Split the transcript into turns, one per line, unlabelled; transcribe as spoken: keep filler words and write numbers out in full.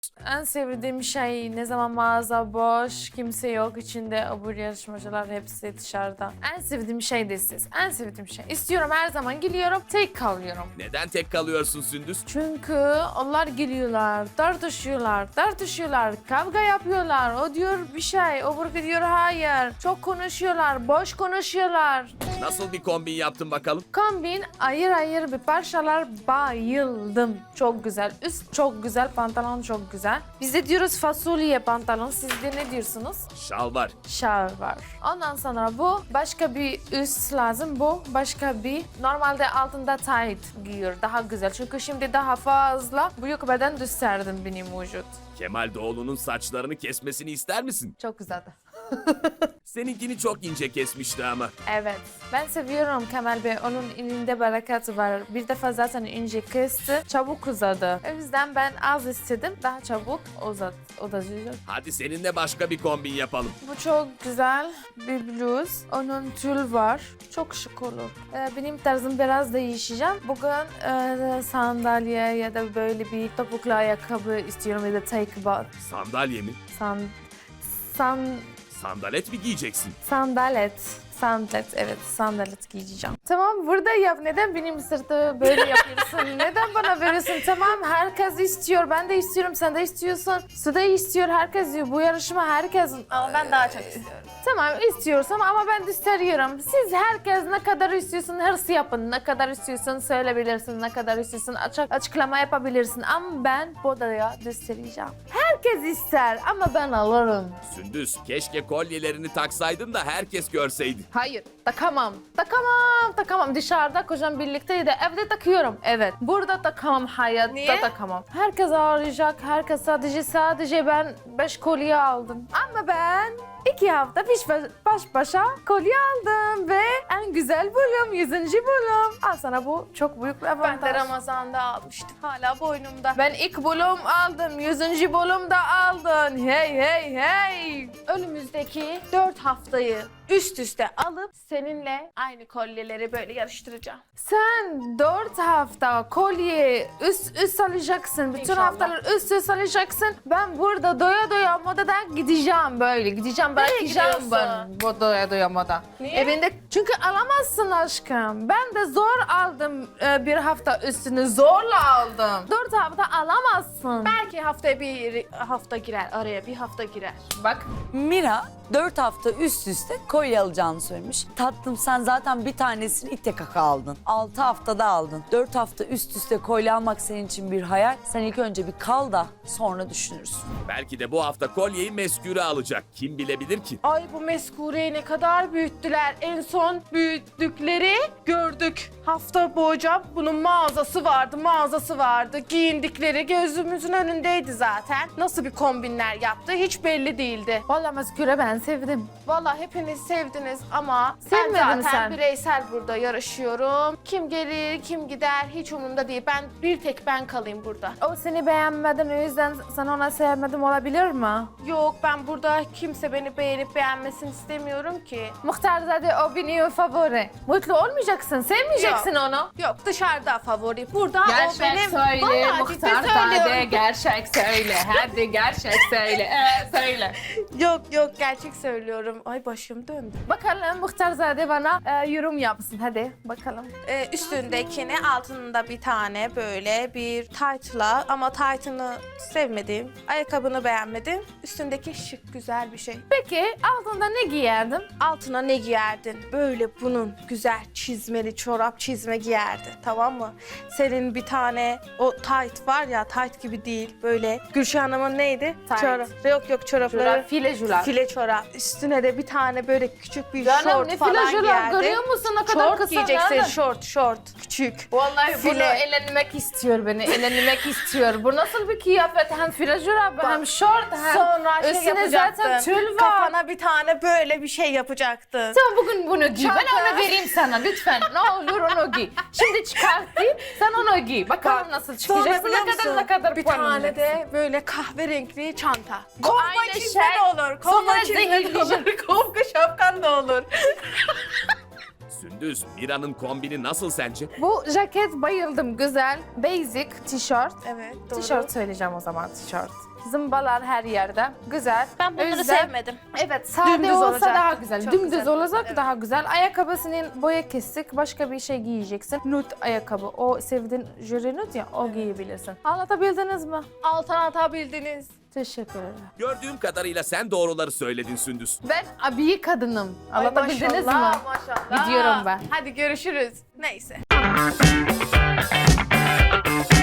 En sevdiğim şey ne zaman mağaza boş, kimse yok içinde, abur yarışmacılar hepsi dışarıda. En sevdiğim şey de siz. En sevdiğim şey. İstiyorum her zaman geliyorum, tek kalıyorum.
Neden tek kalıyorsun Sündüz?
Çünkü onlar geliyorlar, tartışıyorlar, tartışıyorlar, kavga yapıyorlar. O diyor bir şey, öbürü diyor hayır. Çok konuşuyorlar, boş konuşuyorlar.
Nasıl bir kombin yaptın bakalım?
Kombin ayır ayır bir parçalar bayıldım. Çok güzel. Üst çok güzel, pantolon çok güzel. Biz de diyoruz fasulye pantolon. Siz de ne diyorsunuz?
Şal var.
Şal var. Ondan sonra bu başka bir üst lazım. Bu başka bir normalde altında tight giyiyor. Daha güzel. Çünkü şimdi daha fazla büyük beden gösterdim benim vücut.
Kemal Doğulu'nun saçlarını kesmesini ister misin?
Çok güzeldi.
Seninkini çok ince kesmişti ama.
Evet. Ben seviyorum Kemal Bey. Onun elinde bereket var. Bir defa zaten ince kesti. Çabuk uzadı. O yüzden ben az istedim. Daha çabuk uzat, uzatacak.
Hadi seninle başka bir kombin yapalım.
Bu çok güzel bir bluz. Onun tül var. Çok şık olur. Ee, benim tarzım biraz değişeceğim. Bugün e, sandalye ya da böyle bir topuklu ayakkabı istiyorum ya da take bot.
Sandalye mi?
San, san,
Sandalet mi giyeceksin?
sandalet. Sandalet, evet sandalet giyeceğim. Tamam burada yap. Neden benim sırtı böyle yapıyorsun? Neden bana veriyorsun? Tamam herkes istiyor. Ben de istiyorum. Sen de istiyorsun. Su da istiyor. Herkes diyor. Bu yarışma herkes...
Ama ben daha çok istiyorum.
Tamam istiyorsan ama ben de istiyorum. Siz herkes ne kadar istiyorsun hırs yapın. Ne kadar istiyorsun söyleyebilirsin. Ne kadar istiyorsun açık, açıklama yapabilirsin. Ama ben Boda'ya göstereceğim. Herkes ister ama ben alırım.
Sündüz, keşke kolyelerini taksaydın da herkes görseydi.
Hayır takamam. Takamam. Takamam. Dışarıda kocam birlikteydi. Evde takıyorum. Evet. Burada takamam. Hayatta
Niye?
takamam. Herkes ağlayacak. Herkes sadece sadece ben beş kolye aldım. Ama ben iki hafta baş, baş başa kolye aldım ve en güzel bölüm, yüzüncü bölüm. Al sana bu çok büyük bir avantaj.
Ben de Ramazan'da almıştım. Hala boynumda.
Ben ilk bölüm aldım, yüzüncü bölümde aldın. Hey hey hey.
Önümüzdeki dört haftayı üst üste alıp seninle aynı kolyeleri böyle yarıştıracağım.
Sen dört hafta kolye üst üst alacaksın. Bütün
İnşallah.
haftalar üst üst alacaksın. Ben burada doya doya modadan gideceğim böyle. Gideceğim bırakacağım
gidiyorsun?
ben bu doya doya moda.
Niye?
Evinde çünkü alamazsın aşkım. Ben de zor aldım e, bir hafta üstünü zorla aldım. Dört hafta alamazsın.
Belki haftaya bir hafta girer araya bir hafta girer.
Bak
Mira dört hafta üst üste kolye alacağını söylemiş. Tatlım sen zaten bir tanesini itte kaka aldın. altı haftada aldın. dört hafta üst üste kolye almak senin için bir hayal. Sen ilk önce bir kal da sonra düşünürsün.
Belki de bu hafta kolyeyi meskure alacak. Kim bilebilir ki?
Ay bu meskureyi ne kadar büyüttüler. En son büyüttükleri gördük. Hafta boyunca bunun mağazası vardı, mağazası vardı. Giyindikleri gözümüzün önündeydi zaten. Nasıl bir kombinler yaptı hiç belli değildi.
vallahi masküre ben sevdim.
Vallahi hepiniz sevdiniz ama
Sevmedin
ben zaten
sen.
bireysel burada yarışıyorum. Kim gelir, kim gider hiç umurumda değil. Ben bir tek ben kalayım burada.
O seni beğenmeden o yüzden sana ona sevmedim olabilir mi?
Yok ben burada kimse beni beğenip beğenmesini istemiyorum ki.
Muhtarzade o benim favori. Mutlu olmayacaksın, sevmeyeceksin onu.
Yok dışarıda favori. Burada o
Gerçek
benim.
söyle,
Vallahi ciddi
Muhtarzade
söylüyorum.
gerçek söyle. Hadi gerçek söyle, ee, söyle.
Yok yok gerçek söylüyorum. Ay başım döndü.
Bakalım Muhtarzade bana e, yorum yapsın. Hadi bakalım.
Ee, üstündekini altında bir tane böyle bir tight'la ama tight'ını sevmedim. Ayakkabını beğenmedim. Üstündeki şık güzel bir şey.
Peki altında ne giyerdin?
Altına ne giyerdin? Böyle bunun güzel çizmeli çorap çizme giyerdin tamam mı? Senin bir tane o tight var ya tight gibi değil böyle. Gülşah Hanım'ın neydi?
Tight.
Çorap. Yok yok çorapları.
Çorap, file çorap.
File çorap. Üstüne de bir tane böyle küçük bir
Canım
şort
ne
falan
file çorap
giyerdin.
görüyor musun ne kadar
Şort
kısa
giyeceksin
nereden?
şort şort küçük.
Vallahi bunu
File.
eğlenmek istiyor beni, eğlenmek istiyor. Bu nasıl bir kıyafet? Hem file çorap, hem şort, hem
Sonra şey
üstüne
yapacaktın.
zaten tül var.
Kafana bir tane böyle bir şey yapacaktın.
Sen bugün bunu giy.
Çanta.
Ben onu vereyim sana lütfen. Ne olur onu giy. Şimdi çıkartayım, sen onu giy. Bakalım nasıl
Sonra
çıkacaksın,
biliyor
ne kadar
musun?
ne kadar
bir
puan
tane
alacaksın.
de böyle kahverengi çanta.
Bu
Kovga
aynı
çizme
şey.
de olur.
Sonra
Kovga çizme de olur.
zehirleyecek.
Kovga şapkan da olur.
Sündüz, Mira'nın kombini nasıl sence?
Bu ceket bayıldım. Güzel. Basic tişört.
Evet, doğru.
Tişört söyleyeceğim o zaman tişört. Zımbalar her yerde. Güzel.
Ben bunları
O yüzden-
sevmedim.
Evet, sade
Dümdüz
olsa
olacak.
daha güzel.
Çok
Dümdüz
güzel.
olacak
Evet.
daha güzel. Ayakkabısının boya kesik, başka bir şey giyeceksin. Nude ayakkabı. O sevdiğin jüri nude ya, o giyebilirsin. Anlatabildiniz mi?
Altına atabildiniz.
Teşekkür ederim.
Gördüğüm kadarıyla sen doğruları söyledin Sündüz.
Ben abiyi kadınım.
Ay
Anlatabildiniz mi?
maşallah, Maşallah.
Gidiyorum ben.
Hadi görüşürüz. Neyse.